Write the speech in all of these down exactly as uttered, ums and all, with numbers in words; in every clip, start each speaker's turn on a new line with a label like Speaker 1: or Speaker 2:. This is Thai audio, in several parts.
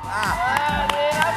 Speaker 1: ดีครับ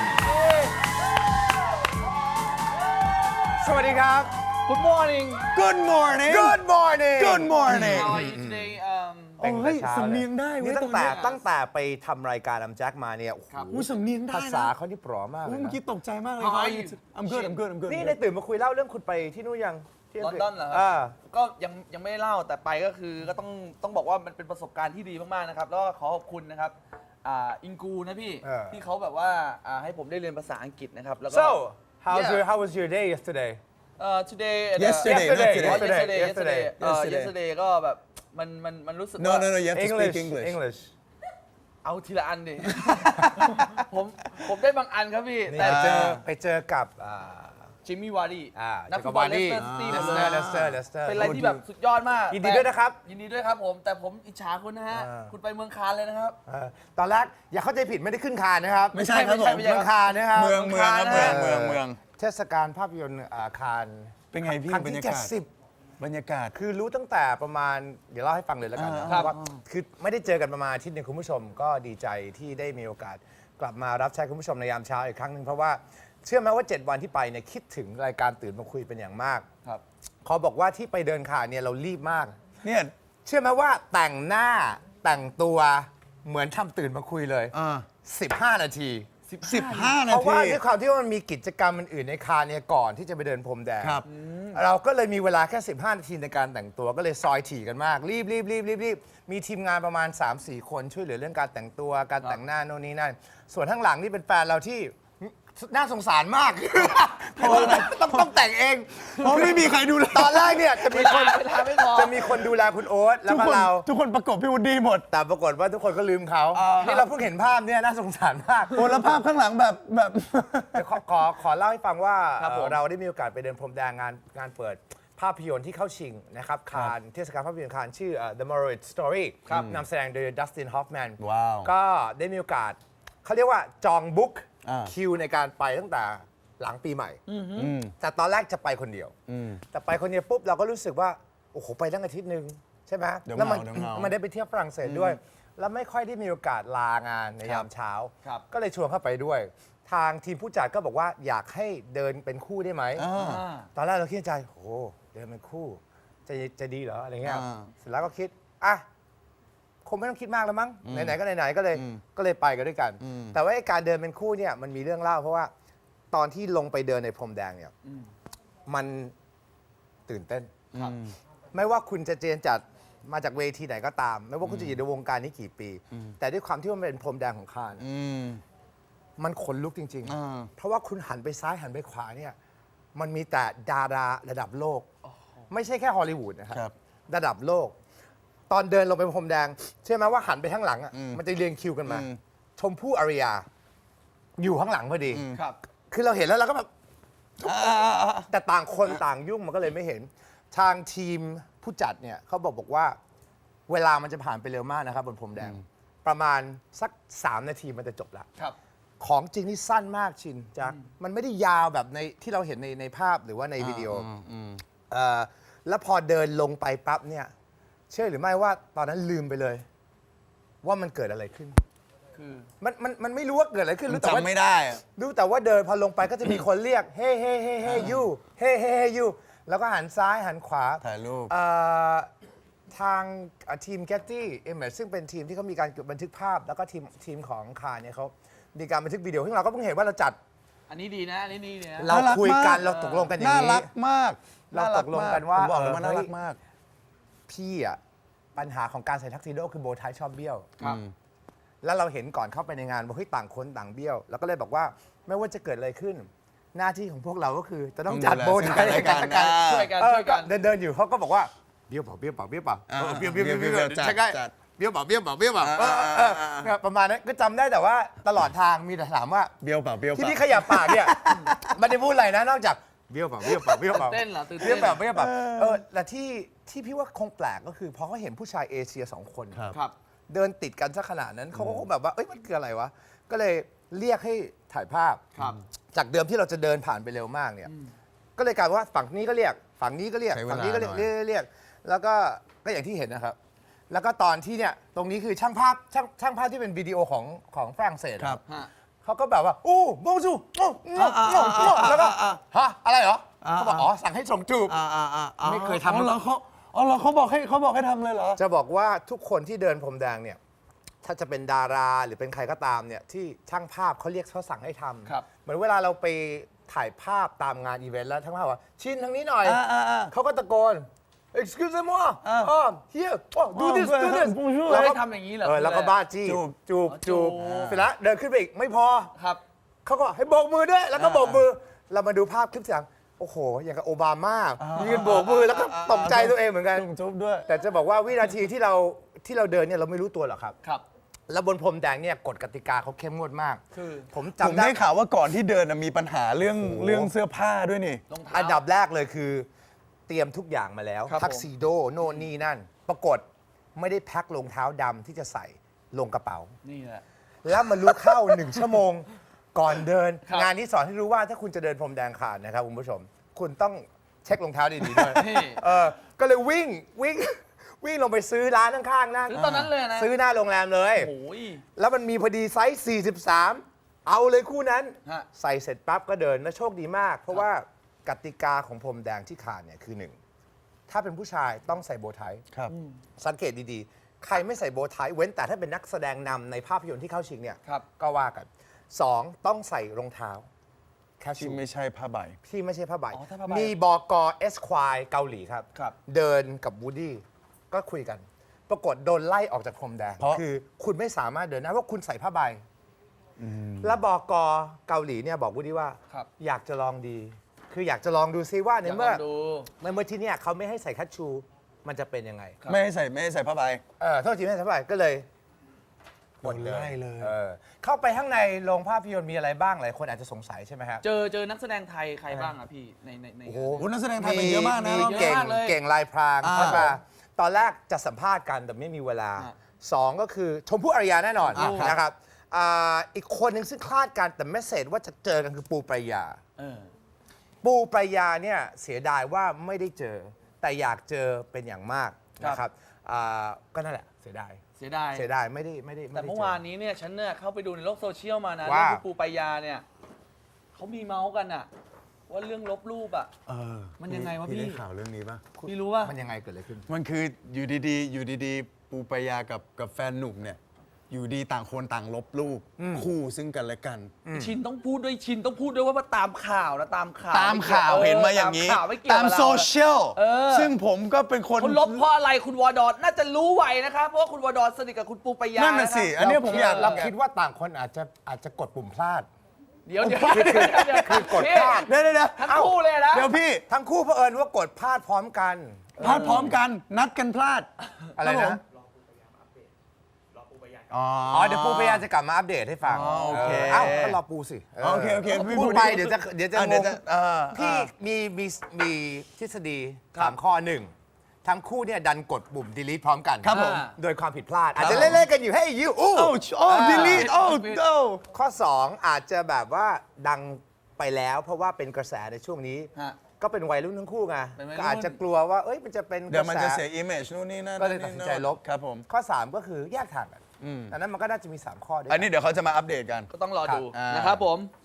Speaker 1: สวัสดีครับ
Speaker 2: Good morning
Speaker 3: Good morning
Speaker 1: Good morning
Speaker 3: Good morning
Speaker 2: How are you today um
Speaker 3: โอ้ยสำเนียงได้เว้
Speaker 1: นี่
Speaker 3: ย
Speaker 1: ตั้งแต่
Speaker 3: ตอนเนี้ย
Speaker 1: ตั้งแต่ไปทำรายการอัมแจ็คมาเนี่ยโอ้โห
Speaker 3: อุ้ยสำเนียงได้
Speaker 1: ภา
Speaker 3: นะ
Speaker 1: ษาเขาที่ปลอมมากเล
Speaker 3: อุ้ย
Speaker 1: ย
Speaker 3: เมื่อ
Speaker 1: นะ
Speaker 3: กี้ตกใจมากเลย
Speaker 2: How are you?
Speaker 3: I'm good I'm good I'm good
Speaker 1: นี่ได้ตื่นมาคุยเล่าเรื่องคุณไปที่นู่นยังที่
Speaker 2: ลอนดอนเหรอครั
Speaker 1: อ่า
Speaker 2: ก็ยังยังไม่ได้เล่าแต่ไปก็คือก็ต้องต้องบอกว่ามันเป็นประสบการณ์ที่ดีมากๆนะครับแล้วก็ขอขอบคุณนะครับอ่าอิงกูนะพี่
Speaker 1: เออ
Speaker 2: ที่เขาแบบว่าอ่าให้ผมได้เรียนภาษาอังกฤษนะครับแล้วก็
Speaker 1: so how's
Speaker 2: Yeah.
Speaker 1: your how was your day yesterday
Speaker 2: เอ่อ today at the-
Speaker 3: Yesterday
Speaker 1: Yesterday
Speaker 3: not today
Speaker 2: yesterday yesterday
Speaker 1: yesterday
Speaker 2: เอ่อ
Speaker 3: Yesterday
Speaker 2: yesterday ก็แบบมันมันมันรู้สึก
Speaker 3: No
Speaker 2: ว่า
Speaker 3: no no you have to
Speaker 1: English
Speaker 3: speak English
Speaker 1: English
Speaker 2: เอาทีละอันดิ ผมผมได้บางอันครับพี่
Speaker 1: นี่
Speaker 2: แต่
Speaker 1: ไปเจอไปเจอกับอ่า
Speaker 2: จิมมี่วาร์ดี้
Speaker 1: อ่า
Speaker 2: นักฟุตบอลเลสเตอร์ซิตี้หมดเลย
Speaker 1: เลสเตอร์เลสเตอร์
Speaker 2: เป็นอะไรที่แบบสุดยอดมาก
Speaker 1: ยินดีด้วยนะครับ
Speaker 2: ยินดีด้วยครับผม แต่ผมอิจฉาคุณนะฮะ
Speaker 1: อ่า
Speaker 2: คุณไปเมืองคานเลยนะครับ
Speaker 1: เออตอนแรกอย่าเข้าใจผิดไม่ได้ขึ้นคานนะครับ
Speaker 3: ไม่ใช่ครับผม
Speaker 2: ไม่ใช่
Speaker 1: เมืองคานนะครับ
Speaker 3: เมืองเมืองครับเมืองเมืองเมือง
Speaker 1: เทศกาลภาพยนตร์อ่าคาน
Speaker 3: เป็นไงพี่
Speaker 1: ครั้ง
Speaker 3: บรร
Speaker 1: ที่
Speaker 3: ยา
Speaker 1: เจ็ด
Speaker 3: กาศ
Speaker 1: สิบ
Speaker 3: บรรยากาศ
Speaker 1: คือรู้ตั้งแต่ประมาณเดี๋ยวเล่าให้ฟังเลยแล้วกันนะ
Speaker 3: อ่า
Speaker 1: เพราะว่าคือไม่ได้เจอกันประมาณอาทิตย์หนึงคุณผู้ชมก็ดีใจที่ได้มีโอกาสกลับมารับใช้คุณผู้ชมในยามเช้าอีกครั้งหนึ่งเพราะว่าเชื่อไหมว่า เจ็ด วันที่ไปเนี่ยคิดถึงรายการตื่นมาคุยเป็นอย่างมาก
Speaker 2: ครับ
Speaker 1: ขอบอกว่าที่ไปเดินขาเนี่ยเรารีบมาก
Speaker 3: เนี่ย
Speaker 1: เชื่อไหมว่าแต่งหน้าแต่งตัวเหมือนทำตื่นมาคุยเลย
Speaker 3: อ่า
Speaker 1: สิบห้า นาที
Speaker 3: สิบห้า
Speaker 1: เพ
Speaker 3: นา
Speaker 1: ราะว่า
Speaker 3: ที
Speaker 1: ด้วยความที่ว่ามันมีกิจกรรมอื่นๆในคานเนี่ยก่อนที่จะไปเดินพรมแดง
Speaker 3: ครับ
Speaker 1: เราก็เลยมีเวลาแค่ สิบห้า นาทีในการแต่งตัวก็เลยซอยถี่กันมาก รีบรีบรีบรีบรีบมีทีมงานประมาณ สามสี่ คนช่วยเหลือเรื่องการแต่งตัวการแต่งหน้าโน่นนี่นั่นส่วนข้างหลังนี่เป็นแฟนเราที่น่าสงสารมาก เพราะว่าต้องต้องแต่งเอง
Speaker 3: เพราะไม่มีใครดูแล
Speaker 1: ตอนแรกเนี่ยจะมีคน
Speaker 2: เวลาไม่พอ
Speaker 1: จะมีคนดูแลคุณโอ๊ตแล้
Speaker 3: ทุ
Speaker 1: ว
Speaker 3: ก
Speaker 1: ก็
Speaker 3: คน
Speaker 1: เรา
Speaker 3: ทุกคนประกบพี่วูดดี้หมด
Speaker 1: แต่ปรากฏว่าทุกคนก็ลืมเขานี่เราเพิ่งเห็นภาพเนี่ยน่าสงสารมาก
Speaker 3: โอ้แล้วภาพข้างหลังแบบแบบ
Speaker 1: เดี๋ยวขอขอขอเล่าให้ฟังว่า
Speaker 2: ครับผม
Speaker 1: เอ่อเราได้มีโอกาสไปเดินพรมแดงงานงานเปิดภาพยนตร์ที่เข้าชิงนะครับคานเทศกาลภาพยนตร์คานชื่อเอ่อ The Marriage Story นำแสดงโดยดัสตินฮอฟแมน
Speaker 3: ว้าว
Speaker 1: ก็ได้มีโอกาสเขาเรียกว่าจองบุ๊ก
Speaker 3: อ่า
Speaker 1: คิวในการไปตั้งแต่หลังปีใหม่
Speaker 3: อืม
Speaker 1: แต่ตอนแรกจะไปคนเดียว
Speaker 3: อืม
Speaker 1: แต่ไปคนเดียวปุ๊บเราก็รู้สึกว่า โอ้โห ไปตั้งอาทิตย์หนึ่งใช่ไหม
Speaker 3: เดี๋ยว
Speaker 1: แล้วมัน
Speaker 3: เหงาเดี๋ยวเหงามั
Speaker 1: มันได้ไปเที่ยวฝรั่งเศสด้วย แล้วไม่ค่อยได้มีโอกาสลางานในยามเช้า
Speaker 2: ครับ
Speaker 1: ก็เลยชวนเข้าไปด้วย ทางทีมผู้จัดก็บอกว่าอยากให้เดินเป็นคู่ได้ไหม
Speaker 3: อ่า
Speaker 2: อ่า
Speaker 1: ตอนแรกเราคิดในใจโอ้โหเดินเป็นคู่ จะจะดีเหรออะไรเงี้ย
Speaker 3: อ่า
Speaker 1: เสร็จแล้วก็คิดอ่ะคงไม่ต้องคิดมากแล้วมั้งไหนๆก็ไหนๆก็เลย
Speaker 3: อืม
Speaker 1: ก็เลยไปกันด้วยกัน
Speaker 3: อืม
Speaker 1: แต่ว่าไอ้การเดินเป็นคู่เนี่ยมันมีเรื่องเล่าเพราะว่าตอนที่ลงไปเดินในพรมแดงเนี่ยมันตื่นเต้น
Speaker 2: ครับ
Speaker 1: ไม่ว่าคุณจะเจนจัดมาจากเวทีไหนก็ตาม ไม่ว่าคุณจะอยู่ในวงการนี้กี่ปี แต่ด้วยความที่มันเป็นพรมแดงของคาน
Speaker 3: อืม
Speaker 1: มันขนลุกจริง
Speaker 3: อ่า
Speaker 1: ๆ เพราะว่าคุณหันไปซ้ายหันไปขวาเนี่ยมันมีแต่ดาราระดับโลก ไม่ใช่แค่ฮอลลีวูดนะค
Speaker 3: ครั
Speaker 1: รับ ระดับโลก ตอนเดินลงไปพรมแดงเชื่อไหมว่าหันไปข้างหลังอ่ะ
Speaker 3: อืม
Speaker 1: มันจะเรียงคิวกันมา
Speaker 3: อืม
Speaker 1: ชมพู่อารยา อยู่ข้างหลังพอดี
Speaker 2: ครับ
Speaker 1: คือเราเห็นแล้วเราก็แบบ
Speaker 3: อ่าอ่าอ่า
Speaker 1: แต่ต่างคนต่างยุ่งมันก็เลยไม่เห็น ทางทีมผู้จัดเนี่ยเขาบอกบอกว่า เวลามันจะผ่านไปเร็วมากนะครับบนพรมแดง ประมาณสัก สาม นาทีมันจะจบละ
Speaker 2: ครับ
Speaker 1: ของจริงนี่สั้นมากชินจักมันไม่ได้ยาวแบบในที่เราเห็นในในภาพหรือว่าในวิดีโออ
Speaker 3: มอืม
Speaker 1: เอ่อแล้วพอเดินลงไปปั๊บเนี่ยเชื่อหรือไม่ว่าตอนนั้นลืมไปเลย ว่ามันเกิดอะไรขึ้น
Speaker 2: คือ
Speaker 1: มันมันมันไม่รู้ว่าเกิดอะไรขึ้นรู้แต่ว่า
Speaker 3: จำไม่ได้อะ
Speaker 1: รู้แต่ว่าเดินพอลงไปก็จะมีคนเรียก เฮ้เฮ้เฮ้เฮ้ยูเฮ้เฮ้เฮ้ยูแล้วก็หันซ้ายหันขวา
Speaker 3: ถ่ายรูป
Speaker 1: เอ่อทางเอ่อทีม Getty Image ซึ่งเป็นทีมที่เขามีการบันทึกภาพ แล้วก็ทีมทีมของคานเนี่ยเขามีการบันทึกวิดีโอซึ่งเราก็เพิ่งเห็นว่าเราจัด
Speaker 2: อันนี้ดีนะ อันนี้ดีนะ
Speaker 1: เรา
Speaker 3: น่ารัก
Speaker 1: คุยกัน
Speaker 3: มาก
Speaker 1: เราตกลงกันอย่าง
Speaker 3: น่า
Speaker 1: นี้
Speaker 3: รักมาก
Speaker 1: เราตกลงกันว่า
Speaker 3: ผมบอกเลยว่า
Speaker 1: เออ
Speaker 3: น่ารัก
Speaker 1: เฮ้ย
Speaker 3: มาก
Speaker 1: พี่อะปัญหาของการใส่ทักซิโดคือโบว์ไทชอบเบี้ยว
Speaker 2: ครับ
Speaker 1: แล้วเราเห็นก่อนเข้าไปในงานว่าเฮ้ยต่างคนต่างเบี้ยว แล้วก็เลยบอกว่าไม่ว่าจะเกิดอะไรขึ้น หน้าที่ของพวกเราก็คือจะต้องจัดโบว์ไท
Speaker 3: ต้องดูแลซึ่งกันและกัน
Speaker 2: ช่วยกัน
Speaker 1: เออ
Speaker 2: ช่วยกัน
Speaker 1: เดินเดินๆอยู่เขาก็บอกว่าเบี้ยวเปล่าเบี้ยวเปล่าเบี้ยวเปล่า
Speaker 3: อ่า
Speaker 1: เออเบี้ยวเบี้ยวเบี้ยว
Speaker 3: เบี้
Speaker 1: เบี้
Speaker 3: ย
Speaker 1: ยว ว
Speaker 3: จัด
Speaker 1: ใช่ไหม
Speaker 3: จัด
Speaker 1: เบี้ยวเปล่าเบี้ยวเปล่าเบี้ยวเปล่า
Speaker 3: อ่า
Speaker 1: เออ
Speaker 3: อ่า
Speaker 1: เออ
Speaker 3: อ่า
Speaker 1: เนี่ยประมาณนั้นก็จำได้แต่ว่าตลอดทางมีแต่ถามว่า
Speaker 3: เบี้ยวเปล่าเบี้ยวเป
Speaker 1: ที่
Speaker 3: ล่า
Speaker 1: พี่ขยับปากเนี่ยไม่ได้พูดอะไรนะนอกจากเบี้ยวเปล่าเบี้ยวเปล่าเบี้ยวเปล่า
Speaker 2: ตื่นเต้นเหรอตื่นเต้น
Speaker 1: เบี้ยวเปล่าเบี้ยวเปล่าเออแต่ที่ที่พี่ว่าคงแปลกก็คือพอเขาเห็นผู้ชายเอเชียสองคน
Speaker 3: ครับ
Speaker 2: ครับ
Speaker 1: เดินติดกันซะขนาดนั้นเขาก็คงแบบว่าเอ้ยมันคืออะไรวะก็เลยเรียกให้ถ่ายภาพ
Speaker 2: ครับ
Speaker 1: จากเดิมที่เราจะเดินผ่านไปเร็วมากเนี่ยก็เลยกลายเป็นว่าฝั่งนี้ก็เรียกฝั่งนี้ก็เรียก
Speaker 3: ใช้เวลา
Speaker 1: ฝั่งนี้ก็เรียก
Speaker 3: หน่อย
Speaker 1: เรียกเรียกแล้วก็ก็อย่างที่เห็นนะครับแล้วก็ตอนที่เนี่ยตรงนี้คือช่างภาพช่างช่างภาพที่เป็นวิดีโอของของฝรั่งเศส
Speaker 3: ครับ
Speaker 2: ฮะ
Speaker 1: เขาก็แบบว่าอู้บงจูโอ้โง่โง่โง่แล้วก็ฮะอะไรเหรอเขาบอกอ๋อสั่งให้ส่งจูบ
Speaker 3: อ่าอ่าอ่า
Speaker 1: ไม่เคยทำ
Speaker 3: อ๋อเหรอเขาอ๋อเหรอเขาบอกให้เขาบอกให้ทำเลยเหรอ
Speaker 1: จะบอกว่าทุกคนที่เดินพรมแดงเนี่ยถ้าจะเป็นดาราหรือเป็นใครก็ตามเนี่ยที่ช่างภาพเขาเรียกเขาสั่งให้ทำ
Speaker 2: ครับ
Speaker 1: เหมือนเวลาเราไปถ่ายภาพตามงานอีเวนต์แล้วช่างภาพว่าชินทางนี้หน่อย
Speaker 3: อ่าอ่าอ่า
Speaker 1: เขาก็ตะโกน excuse me
Speaker 3: อ่า
Speaker 1: อ๋อ here oh do this do this
Speaker 3: bonjour
Speaker 1: แล้ว
Speaker 2: ให้
Speaker 1: ก็
Speaker 2: ทำอย่างนี้เหรอ
Speaker 1: เออแล้วก็บ้าจี้
Speaker 3: จูบ
Speaker 1: จูบ
Speaker 2: อ๋อ
Speaker 1: จูบ
Speaker 2: จูบ
Speaker 1: เสร็จแล้วเดินขึ้นไปอีกไม่พอ
Speaker 2: ครับ
Speaker 1: เขาก็ให้โบกมือด้วย แล้วก็โบกมือ เรามาดูภาพคลิปเสียงโอ้โห อย่างกับโอบามายืนโบกมือแล้วก็ตกใจตัวเองเหมือนกัน
Speaker 3: จุ๊บจุ๊บด้วย
Speaker 1: แต่จะบอกว่าวินาทีที่เราที่เราเดินเนี่ยเราไม่รู้ตัวหรอกครับ
Speaker 2: ครับ
Speaker 1: แล้วบนพรมแดงเนี่ยกฎกติกาเขาเข้มงวดมาก
Speaker 2: คือ
Speaker 1: ผม
Speaker 3: ผม
Speaker 1: จำได้
Speaker 3: ได้ข่าวว่าก่อนที่เดินน่ะมีปัญหาเรื่องเรื่องเสื้อผ้าด้วยนี่
Speaker 2: รองเท้า
Speaker 1: อันดับแรกเลยคือ เตรียมทุกอย่างมาแล้ว
Speaker 2: ครับผม
Speaker 1: ทักซิโดโน่นนี่นั่น ปรากฏไม่ได้แพ็ครองเท้าดำที่จะใส่ลงกระเป๋า
Speaker 2: นี่แหละ
Speaker 1: แล้วมารู้เข้า หนึ่งชั่วโมงก่อนเดิน
Speaker 2: ครับ
Speaker 1: งานนี้สอนให้รู้ว่าถ้าคุณจะเดินพรมแดงขาดนะครับคุณผู้ชม คุณต้องเช็ครองเท้าดีๆด้วย
Speaker 2: นี่
Speaker 1: เออก็เลยวิ่งวิ่งวิ่งลงไปซื้อร้านข้างๆนั่ง
Speaker 2: ซื้อตอนนั้นเลยนะ
Speaker 1: ซื้อหน้าโรงแรมเลย
Speaker 2: โอ้ย
Speaker 1: แล้วมันมีพอดีไซส์ สี่สิบสาม เอาเลยคู่นั้น
Speaker 2: ฮะ
Speaker 1: ใส่เสร็จปั๊บก็เดิน แล้วโชคดีมาก เพราะว่ากติกาของพรมแดงที่ขาดเนี่ยคือหนึ่ง ถ้าเป็นผู้ชายต้องใส่โบว์ไท
Speaker 3: ครับ
Speaker 1: สังเกตดีๆ ใครไม่ใส่โบว์ไทเว้นแต่ถ้าเป็นนักแสดงนำในภาพยนตร์ที่เข้าชิงเนี่ย
Speaker 2: ครับ
Speaker 1: ก็ว่ากันสองต้องใส่รองเท้าแคช
Speaker 3: ที่
Speaker 1: ชู
Speaker 3: ไม่ใช่ผ้าใบ
Speaker 1: ที่ไม่ใช่ผ้าใบ
Speaker 2: อ๋อถ้าผ้าใบ
Speaker 1: มีบอกเอสควายเกาหลีครับ
Speaker 2: ครับ
Speaker 1: เดินกับวูดดี้ก็คุยกัน ปรากฏโดนไล่ออกจากพรมแดง
Speaker 3: เพราะ
Speaker 1: คือคุณไม่สามารถเดินได้เพราะคุณใส่ผ้าใบ แล้วบอกเกาหลีเนี่ยบอกวูดดี้ว่า
Speaker 2: ครับ
Speaker 1: อยากจะลองดี คืออยากจะลองดูซิว่าใน
Speaker 2: อยากล
Speaker 1: เมื่อ
Speaker 2: องดู
Speaker 1: ในเมื่อที่เนี่ยเขาไม่ให้ใส่คัชชู มันจะเป็นยังไง
Speaker 2: ครับ
Speaker 3: ไม่ให้ใส่ไม่ให้ใส่ผ้าใบ
Speaker 1: เออโทษทีไม่ใช่ผ้าใบก็เลยหมด
Speaker 3: โดนไล่เลย
Speaker 1: ออเข้าไปข้างในโรงภาพยนตร์มีอะไรบ้างหลายคนอาจจะสงสัยใช่ไหมครับ
Speaker 2: เจอเจอนักแสดงไทยใครบ้างอะพี่ในในใน
Speaker 1: โอ้โห
Speaker 3: โอ้นักแสดงไทยเป็นเยอะมากนะ
Speaker 1: มี
Speaker 3: รอบนี้
Speaker 1: เก่ง
Speaker 2: เยอะมากเลย
Speaker 1: เก่งลายพราง
Speaker 3: อ่า
Speaker 1: ใช่ปะตอนแรกจะสัมภาษณ์กันแต่ไม่มีเวลา
Speaker 2: อ่ะ
Speaker 1: สองก็คือชมพู่อารยาแน่นอน
Speaker 3: อ่ะครับ
Speaker 1: นะครับอ่าอีกคนหนึ่งซึ่งคลาดกันแต่เมสเซจว่าจะเจอกันคือปูปรายา
Speaker 2: เออ
Speaker 1: ปูปรายาเนี่ยเสียดายว่าไม่ได้เจอ แต่อยากเจอเป็นอย่างมาก
Speaker 2: ครับ
Speaker 1: นะครับอ่าก็นั่นแหละเสียดาย
Speaker 2: เสียดาย
Speaker 1: เสียดายไม่ได้ไม่ได้ไได้
Speaker 2: แต่เมื่อวานนี้เนี่ยฉันเนี่ยเข้าไปดูในโลกโซเชียลมานะ
Speaker 1: ว่า
Speaker 2: เรื่องคุณปูปายาเนี่ยเขามีเมาส์กันอะว่าเรื่องลบรูปอะ
Speaker 3: เออ
Speaker 2: มันยังไงวะพี่
Speaker 3: ได้ข่าวเรื่องนี้ปะ
Speaker 2: พี่รู้ว่า
Speaker 1: มันยังไงเกิดอะไรขึ้น
Speaker 3: มันคืออยู่ดีๆ อยู่ดีๆ ปูปายากับกับแฟนหนุ่มเนี่ย อยู่ดีต่างคนต่างลบรูปคู่ซึ่งกันและกัน
Speaker 2: ชินต้องพูดด้วยชินต้องพูดด้วยว่าตามข่าวนะตามข่าว
Speaker 3: ตามข่าว
Speaker 2: ไกี่
Speaker 3: เห็นมาอย่าง
Speaker 2: นี้
Speaker 3: นี้
Speaker 2: ตามข่าวไม่เกี่ยว
Speaker 3: ตาม
Speaker 2: กับเรา
Speaker 3: โซเชียล
Speaker 2: เออ
Speaker 3: ซึ่งผมก็เป็นคน
Speaker 2: คนลบเพราะอะไรคุณวอดอนน่าจะรู้ไวนะครับเพราะว่าคุณวอดอนสนิทกับคุณปูปายา
Speaker 3: นั่นน่ะสิ
Speaker 2: ครับ
Speaker 3: อันเนี้ยผมอยาก
Speaker 1: เราคิดว่าต่างคนอาจจะอาจจะกดปุ่มพลาด
Speaker 2: เดี๋ยวเดี๋ยว
Speaker 1: คือคือ
Speaker 2: เดี๋ยว
Speaker 1: คือกดพลาด
Speaker 3: เดี๋ยวเดี๋ยวเดี๋ยว
Speaker 2: ทั้งคู่เลยนะ
Speaker 3: เดี๋ยวพี่
Speaker 1: ทั้งคู่เผอิญว่ากดพลาดพร้อมกัน
Speaker 3: พลาดพร้อมกันนัดกันพลาด
Speaker 1: อะไร
Speaker 3: คบผ
Speaker 1: นะ
Speaker 3: มอ๋อ
Speaker 1: อ๋อเดี๋ยวปูพยายามจะกลับมาอัปเดตให้ฟัง
Speaker 3: อ๋อโอเค
Speaker 1: เอ้าก็รอปูสิ
Speaker 3: โอเคโอเคพี่
Speaker 1: พูด
Speaker 3: พูด
Speaker 1: ไป
Speaker 3: ดิ
Speaker 1: เดี๋ยวจะเดี๋ยวจะ
Speaker 3: อ่ะ
Speaker 1: ง
Speaker 3: เดี๋ยว
Speaker 1: ง
Speaker 3: จะเออ
Speaker 1: พี่
Speaker 3: อ่ะ
Speaker 1: มีมีมีทฤษฎีสามข้อหนึ่งทั้งคู่เนี่ยดันกดปุ่ม delete พร้อมกัน
Speaker 3: ครับผม
Speaker 1: โดยความผิดพลาด อาจจะเล่นๆกันอยู่ให้ยูอู้
Speaker 3: โอ้โอ้ดิลีทโอ้โอ้
Speaker 1: ข้อ สอง อาจจะแบบว่าดังไปแล้ว เพราะว่าเป็นกระแสในช่วงนี้
Speaker 2: ฮะ
Speaker 1: ก็เป็นวัยรุ่นทั้งคู่ไง
Speaker 2: เป็นวัยรุ่น
Speaker 1: ก็อาจจะกลัวว่าเอ้ยมันจะเป็น
Speaker 3: เดี๋ยวมัน
Speaker 1: กร
Speaker 3: จะ
Speaker 1: แส
Speaker 3: เสียอิมเมจนู่นนี่นั่น
Speaker 1: ก็เลยตัดสินใจลบ
Speaker 3: ครับผม
Speaker 1: ข้อ สาม ก็คือแยกทางกันดังนั้นมันก็น่าจะมี สาม ข้อด้วยกั
Speaker 3: อันนี้เดี๋ยวเขาจะมาอัปเดตกัน
Speaker 2: ก็ต้องรอดู
Speaker 3: ครับ
Speaker 2: นะครับผม